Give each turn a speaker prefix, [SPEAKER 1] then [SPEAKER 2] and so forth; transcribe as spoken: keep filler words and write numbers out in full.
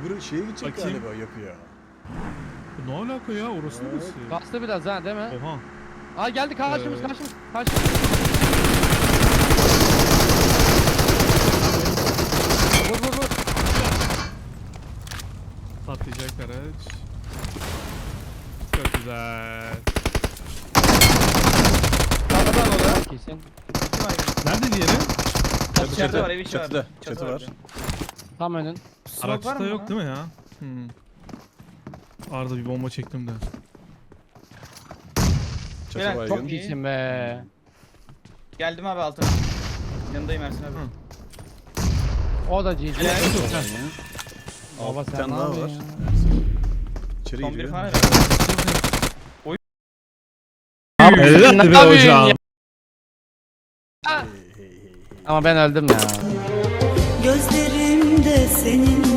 [SPEAKER 1] öbürü şeye gidecek
[SPEAKER 2] Bakayım.
[SPEAKER 1] galiba yapıya.
[SPEAKER 2] Ne alaka ya, orası
[SPEAKER 1] Evet.
[SPEAKER 2] neresi?
[SPEAKER 3] Kastı biraz ha değil mi?
[SPEAKER 2] Oha.
[SPEAKER 3] Aa geldi karşımız
[SPEAKER 2] Evet.
[SPEAKER 3] karşımız. Karşımız. Vur vur vur.
[SPEAKER 2] Patlayacak araç. Çok güzel.
[SPEAKER 4] Sağdan oluyor.
[SPEAKER 3] Kesin.
[SPEAKER 2] Nerede diğeri?
[SPEAKER 1] Çatı
[SPEAKER 4] İçeride
[SPEAKER 1] çatı.
[SPEAKER 4] var, ev içi
[SPEAKER 1] Çatıda.
[SPEAKER 4] var.
[SPEAKER 1] Çatı
[SPEAKER 4] Çatı
[SPEAKER 1] var.
[SPEAKER 4] var.
[SPEAKER 3] Tam önün.
[SPEAKER 4] Smoke var
[SPEAKER 2] Araçta
[SPEAKER 4] mı
[SPEAKER 2] yok
[SPEAKER 4] bana?
[SPEAKER 2] değil mi ya? Hmm. Arda bir bomba çektim de.
[SPEAKER 1] Çatı
[SPEAKER 4] Beyler,
[SPEAKER 1] baygın.
[SPEAKER 3] Çok iyisin be.
[SPEAKER 4] Geldim abi altına. Yanındayım Ersin abi.
[SPEAKER 2] Hı.
[SPEAKER 3] O da G G.
[SPEAKER 4] Helal.
[SPEAKER 3] Baba
[SPEAKER 1] Alt bir
[SPEAKER 3] sen
[SPEAKER 1] tane
[SPEAKER 3] ne
[SPEAKER 1] daha var.
[SPEAKER 3] yapıyorsun ya?
[SPEAKER 1] İçeri
[SPEAKER 4] Son bir
[SPEAKER 1] giriyor.
[SPEAKER 4] falan.
[SPEAKER 3] Abi
[SPEAKER 2] Helal
[SPEAKER 3] sen ne
[SPEAKER 2] be
[SPEAKER 3] yapıyorsun
[SPEAKER 2] hocam.
[SPEAKER 3] ya?
[SPEAKER 1] Hey, hey, hey, hey.
[SPEAKER 3] Ama ben öldüm ya.
[SPEAKER 5] Gözlerimde senin